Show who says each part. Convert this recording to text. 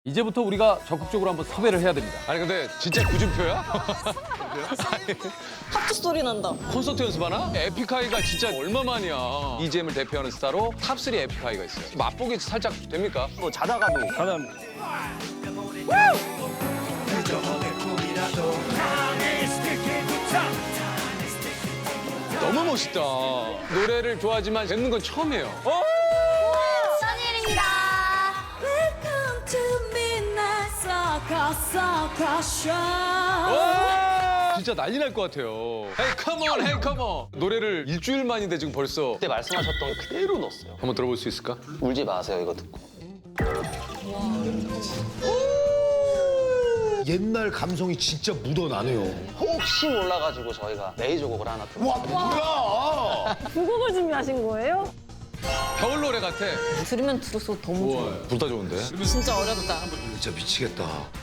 Speaker 1: 이제부터 우리가 적극적으로 한번 섭외를 해야 됩니다.
Speaker 2: 아니 근데 진짜 구준표야?
Speaker 3: 하트 소리 난다.
Speaker 2: 콘서트 연습하나? 에픽하이가 진짜 얼마만이야. EGM을 대표하는 스타로 탑3 에픽하이가 있어요. 맛보기 살짝 됩니까?
Speaker 4: 뭐 자다가도
Speaker 2: 너무 멋있다. 노래를 좋아하지만 뵙는 건 처음이에요.
Speaker 5: 선일입니다.
Speaker 3: Welcome to Midnight Circus.
Speaker 2: 진짜 난리 날 것 같아요. Hey, come on, hey, come on. 노래를 일주일 만인데 지금 벌써.
Speaker 4: 그때 말씀하셨던 거 그대로 넣었어요.
Speaker 2: 한번 들어볼 수 있을까?
Speaker 4: 울지 마세요 이거 듣고.
Speaker 6: 옛날 감성이 진짜 묻어나네요.
Speaker 4: 혹시 몰라가지고 저희가 레이저 곡을 하나 들어.
Speaker 6: 와, 뭐야!
Speaker 3: 두 곡을 준비하신 거예요?
Speaker 2: 겨울 노래 같아.
Speaker 3: 들으면 들을수록 더 무서워.
Speaker 2: 불다 좋은데?
Speaker 3: 진짜 어렵다.
Speaker 6: 진짜 미치겠다.